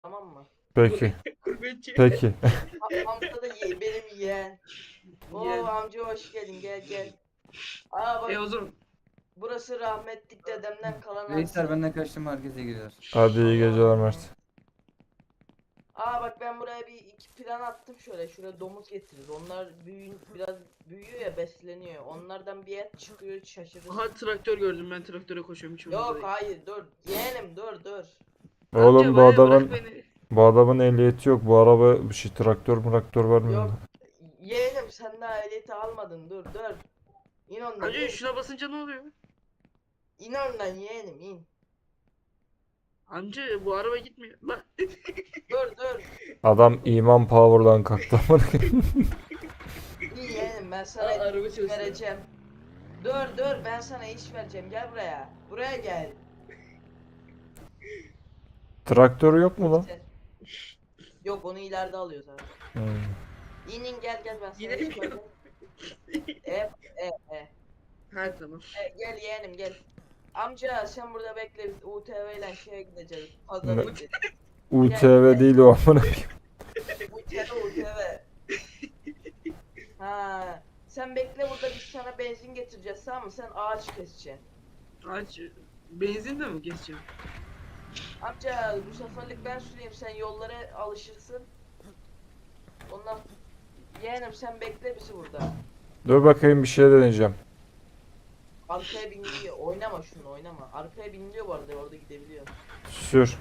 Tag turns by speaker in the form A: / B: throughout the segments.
A: Tamam mı?
B: Peki.
C: Gurbetçi.
B: Peki.
A: Amca da benim yeğen. Oo
C: Yeğen.
A: amca hoş geldin, gel gel. Aa bak,
C: O zaman
A: burası rahmetlik dedemden kalan
D: Reisler
A: arsa.
D: benden kaçtım, herkese giriyor.
B: Hadi iyi geceler Mert.
A: Aa bak, ben buraya iki plan attım şöyle. Şuraya domuz getiririz. Onlar biraz büyüyor ya, besleniyor. Onlardan bir et çıkıyor, şaşırırsın.
C: aha traktör gördüm, ben traktöre koşuyorum, hiç umurumda
A: Yok
C: değil.
A: hayır, dur yeğenim, dur.
B: Oğlum
C: Amca
B: bu
C: bana bırak
B: adamın
C: beni.
B: ehliyeti yok. Bu araba bir şey traktör var mı?
A: Yok yeğenim, sen daha ehliyeti almadın, dur. İn ondan,
C: Amca
A: in.
C: şuna basınca ne oluyor?
A: İn ondan yeğenim, in.
C: Amca bu araba gitmiyor. Lan.
A: Dur.
B: Adam iman power'dan kalktı.
A: İyi yeğenim, ben sana
C: Aa, araba
A: iş
C: çalışıyor.
A: vereceğim. Dur, ben sana iş vereceğim, gel buraya. Buraya gel.
B: Traktörü yok mu lan?
A: Sen- Yok, onu ileride alıyor zaten.
B: Hmm.
A: İnin, gel ben sana
C: Yine
A: iş
C: mi?
A: vereceğim. E.
C: Ha tamam.
A: Gel yeğenim, gel. Amca sen burada bekle, biz UTV ile şeye gideceğiz.
B: Ne?
A: Pazara gideceğiz.
B: UTV değil o amına.
A: UTV. Ha. Sen bekle burada, biz sana benzin getireceğiz, tamam mı? Sen ağaç keseceksin.
C: Aç. Benzin de mi geçeceğim?
A: Amca bu seferlik ben süreyim, sen yollara alışırsın. Ondan yeğenim sen bekle bizi burada.
B: Dur bakayım bir şey deneyeceğim.
A: Arkaya biniliyor. Oynama şunu, oynama. Arkaya biniliyor bu arada, orada gidebiliyor.
B: Sür.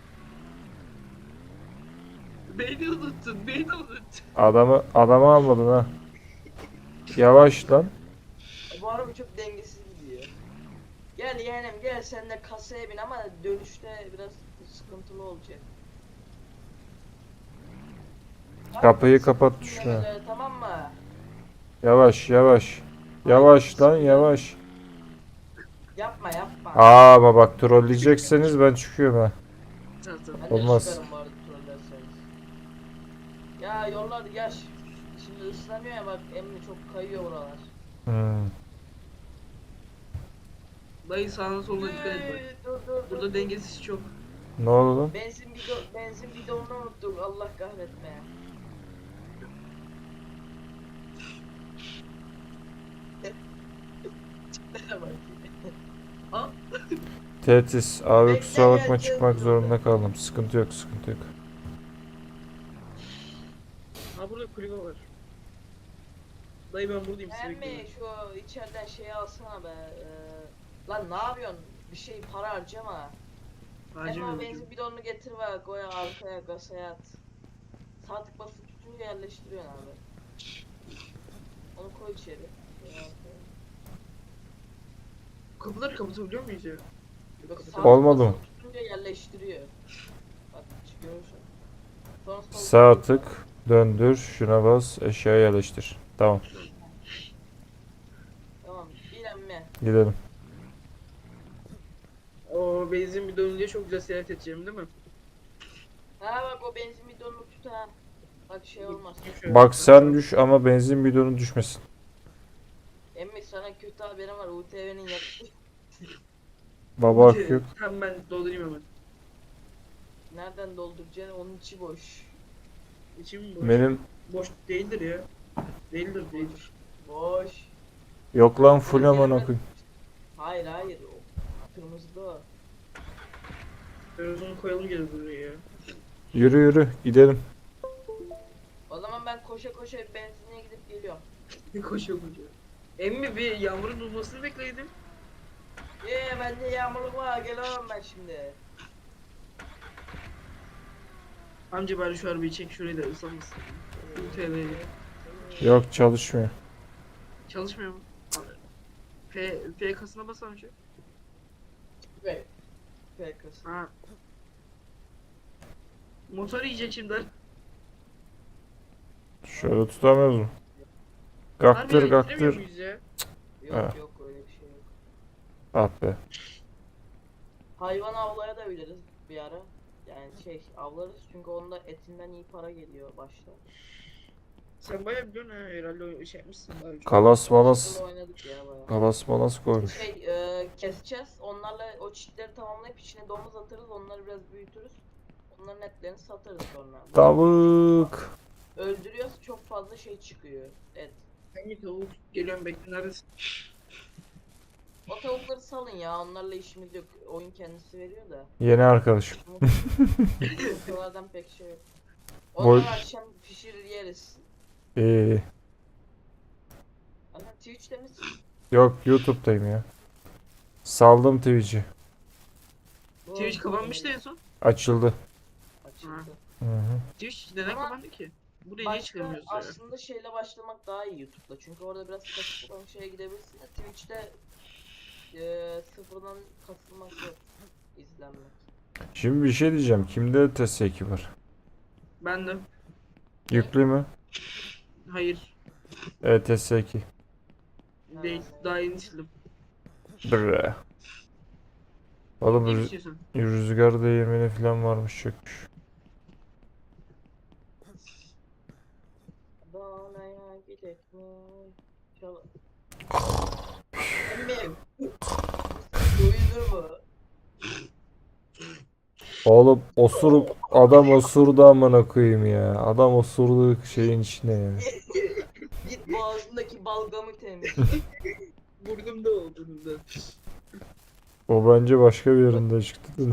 C: Beni unuttun.
B: Adamı almadın ha. Yavaş lan.
A: Bu araba çok dengesiz gidiyor. Gel yeğenim gel, sen de kasaya bin ama dönüşte biraz sıkıntılı olacak.
B: Kapıyı kapat
A: Sıkıntı
B: düşme.
A: böyle, tamam mı?
B: Yavaş. Yavaş lan yavaş.
A: Yapma.
B: Aa bak trolleyecekseniz ben çıkıyorum ha.
C: Tamam.
A: Ben de
B: Olmaz.
A: çıkarım bu arada trollerseniz. Ya yollar yaş. Şimdi ıslanıyor ya, bak emmi çok kayıyor buralar.
B: Hmm.
C: Dayı sağına soluna dikkat et bak.
A: Dur.
C: Burada dengesiz çok.
B: Ne oldu lan?
A: Benzin bidonunu unuttuk, Allah kahretme. Bak.
C: Aa.
B: Tetis. Abi
A: Bekle,
B: kusura bakma
A: geleceğiz
B: çıkmak
A: biz
B: zorunda kaldım. Sıkıntı yok.
C: Ha burada kulübe var. Dayı ben buradayım, sizi
A: Emmi
C: bekliyorum.
A: şu içeriden şeyi alsana be. Lan ne yapıyorsun? Bir şey para harcama.
C: Acil
A: Emmi o
C: mi?
A: benzin bidonunu getir ve koy arkaya, kasaya at. Sağ tık basıp tutunca yerleştiriyorsun abi. Onu koy içeri.
C: Kapıları kapatabiliyor muyuz ya?
A: Yok,
C: Kapı-
A: sağ
B: Olmadı
A: tık
B: mı?
A: basıp tutunca yerleştiriyor. Bak görürsün. Sonra
B: Sağ tık. Döndür. Şuna bas. Eşyaya yerleştir. Tamam.
A: Tamam. Bir emmi.
B: Gidelim.
C: O benzin bir dönünce çok güzel seyahat edeceğim değil mi?
A: Ha bak, o benzin bidonunu tut ha. Bak şey olmaz.
B: Bak sen düş ama benzin bidonu düşmesin.
A: Emmi sana kötü haberim var. UTV'nin yakıtı
B: Baba hakkı yok.
C: Tamam ben doldurayım hemen.
A: nereden dolduracaksın? Onun içi boş.
C: İçim boş.
B: Benim
C: Boş değildir ya. Değildir.
A: Boş.
B: yok lan full amına koyayım.
A: Hayır. O kırmızıda o.
C: Biraz onu koyalım gel buraya ya.
B: Yürü gidelim.
A: O zaman ben koşa bir benzinliğe gidip geliyorum.
C: Koşuyor. Emmi bir yağmurun durmasını bekledim.
A: Bende yağmurluk var, gelemem ben şimdi.
C: Amca bari şu arabayı çek, şurayı da ıslanmasın. UTV
B: Yok çalışmıyor.
C: çalışmıyor mu? P kasına bas amca.
A: Ve PK'sı.
C: Ha. Motor yiyecek şimdi.
B: Şöyle tutamıyoruz mu?
C: Harbi
B: Kaktır.
C: getiremiyor muyuz ya?
A: Yok
B: Ha.
A: yok, öyle bir şey yok.
B: Ah be.
A: Hayvan avlaya da biliriz bir ara. Yani avlarız çünkü onda etinden iyi para geliyor başta.
C: Sen bayağı biliyorsun ha, herhalde o şey yapmışsın daha önce.
B: Kalas malas.
A: Burada oynadık ya bayağı.
B: Kalas malas koymuş.
A: Keseceğiz. Onlarla o çitleri tamamlayıp içine domuz atarız. Onları biraz büyütürüz. Bunların etlerini satarız sonra.
B: Tavuk.
A: Öldürüyoruz, çok fazla şey çıkıyor. Et.
C: Hangi tavuk? Geliyorum bekle neredesin?
A: O tavukları salın ya, onlarla işimiz yok. Oyun kendisi veriyor da.
B: Yeni arkadaşım.
A: Yumurtalardan pek şey yok.
B: Boy-
A: Onları akşam pişirir yeriz.
B: İyi.
A: Aha, Twitch'te misin?
B: Yok, YouTube'dayım ya. Saldım Twitch'i.
C: Twitch kapanmıştı en son.
B: Açıldı.
A: Açıldı.
B: Hı hı.
C: Twitch neden
A: Ama
C: kapandı ki? Buraya niye
A: Başka
C: çıkamıyoruz ya?
A: aslında şeyle başlamak daha iyi YouTube'da. Çünkü orada biraz kasıp olan şeye gidebilirsin. De Twitch'te sıfırdan kasılmak yok. İzlenmek.
B: Şimdi bir şey diyeceğim. Kimde TS2 var?
C: Ben de.
B: Yüklü mü?
C: Hayır.
B: TS2.
C: Değil. Daha yeni sildim.
B: Bre. Oğlum
C: Ne istiyorsun?
B: rüzgar değirmeni falan varmış, çökmüş.
A: Danaya gidek mi? Çal... Emmim. Duyulur mu?
B: Oğlum adam osurdu amına koyayım ya. Adam osurdu şeyin içine ya.
A: Git boğazındaki balgamı temiz.
C: Burnumda o burnumda.
B: O bence başka bir yerinde çıktı.
A: Böyle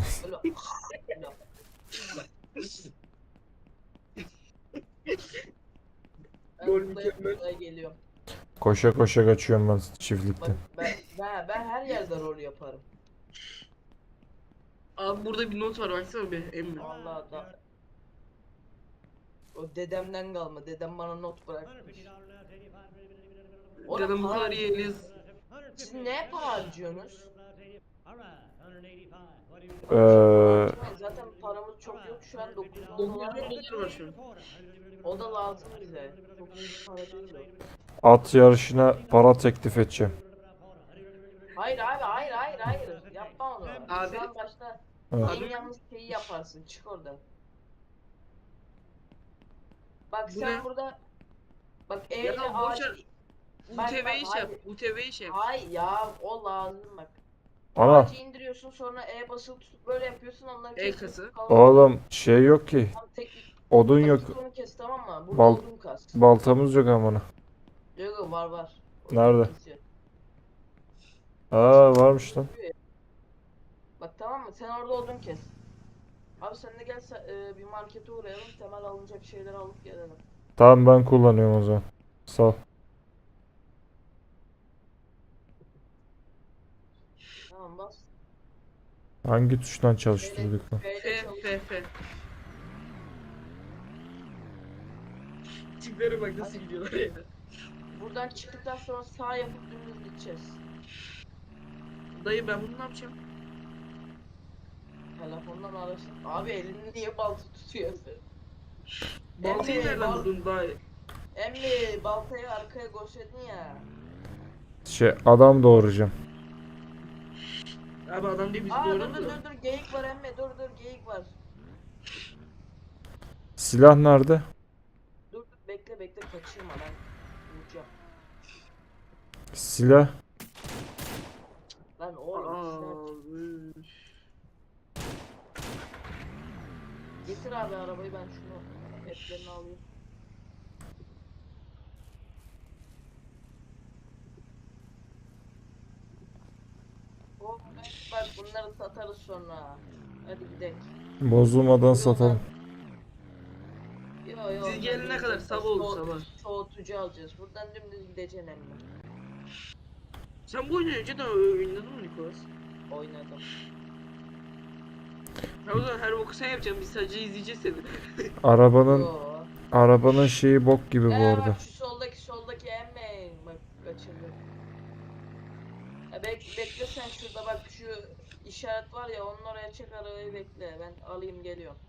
A: Ben
C: Gol
A: buraya
C: mükemmel.
A: geliyorum.
B: Koşa koşa kaçıyorum ben
A: Bak
B: çiftlikten.
A: ben her yerde rol yaparım.
C: Abi burada bir not var baksana bir emmi.
A: Allah da. O dedemden kalma. Dedem bana not bırakmış. Oğlum
C: Canım bu
A: para-
C: kadar yeriz.
A: Siz ne para harcıyorsunuz?
B: Eee,
A: Zaten paramız çok yok şu an 900
C: 900
A: dolar.
C: dolar var şu an.
A: O da lazım bize. Çok iyi para değil
B: at yarışına para teklif edeceğim.
A: o. Hayır abi hayır. Yapma onu.
C: Abi.
A: Şu an başta
B: Evet.
A: en yanlış şeyi yaparsın. Çık oradan. Bak
C: Bu
A: sen
C: ne?
A: burada bak
C: Ya
A: evde
C: boş ver.
A: Bak,
C: UTV iş yap.
A: hayır.
C: UTV iş yap.
A: Hayır ya o lazım bak.
B: Ana.
A: Ağacı indiriyorsun sonra E basılı tutup böyle yapıyorsun onları kesiyorsun.
C: kası.
B: Oğlum şey yok ki.
A: Tam teknik
B: Odun yok.
A: taktik onu kes tamam mı? Burada
B: Bal-
A: odun kas.
B: Baltamız yok amına.
A: Yok var.
B: Nerede?
A: Kesiyor.
B: Aa, varmış lan.
A: Bak tamam mı? Sen orada odun kes. Abi sen de gel bir markete uğrayalım. Temel alınacak şeyler alıp gelelim.
B: Tamam, ben kullanıyorum o zaman. Sağ ol.
A: Tamam bas.
B: Hangi tuştan çalıştırdık lan?
A: B'yle
C: F
A: çalış.
C: F F. Tiplere bak nasıl gidiyorlar ya.
A: Buradan çıktıktan sonra sağ yapıp dümdüz gideceğiz.
C: Dayı ben bunu ne yapacağım?
A: Telefondan arasın. Abi elini niye balta tutuyorsun?
C: Baltayı
A: Emmi,
C: nereden buldun dayı?
A: Emmi baltayı arkaya koşedin ya.
B: Adam doğuracağım.
C: Abi adam değil bizi
A: Aa dur
C: doğramıyor.
A: geyik var Emmi dur geyik var.
B: Silah nerede?
A: Dur bekle kaçırma ben vuracağım.
B: Silah.
A: Lan oğlum silah-
C: Abi.
A: Getir abi arabayı ben şunu etlerini alayım. Oh, bak bunları satarız sonra. Hadi gidelim.
B: Bozulmadan satalım.
A: Yo
C: Siz gelene kadar sabah olur sabah.
A: Soğutucu alacağız. Buradan dümdüz gideceksin emmi.
C: Sen bu oyunu önceden oynadın mı Nikolas?
A: Oynadım.
C: Ya o zaman her boku sen yapacaksın biz sadece izleyeceğiz seni.
A: Yo.
B: Arabanın şeyi bok gibi bu arada.
A: Bak şu soldaki emmi. Bak kaçırdım. Ya bekle sen şurada bak şu işaret var ya onun oraya çek arabayı bekle. Ben alayım geliyorum.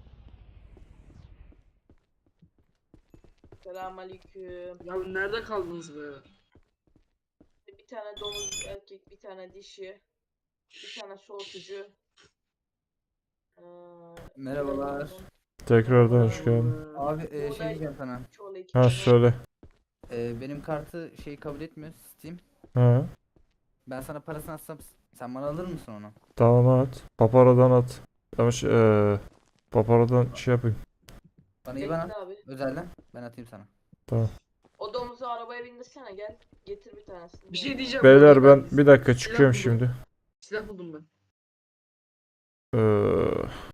A: Selamünaleyküm.
C: Ya nerede kaldınız be?
A: Bir tane domuz erkek, bir tane dişi, bir tane soğutucu. Ee,
D: Merhabalar.
B: Tekrardan hoş geldin.
D: Abi
A: Buğday-
D: şey diyeceğim sana.
A: çoğulu iki
B: Ha,
A: tane.
B: söyle.
D: Benim kartı şey kabul etmiyor Steam.
B: Ha,
D: Ben sana parasını atsam sen bana alır mısın onu?
B: tamam, at. Papara'dan at. Ama Paparo'dan şey yapayım.
D: Bana iyi bana.
A: Bekle abi.
D: Özelden. Ben atayım sana.
A: O domuzu arabaya bindirsene gel. Getir bir tanesini.
C: Bir şey diyeceğim.
B: Beyler
C: bu
B: ben
C: arada
B: bir dakika
C: silah
B: çıkıyorum
C: buldum.
B: şimdi.
C: Silah buldum ben.
B: Ee,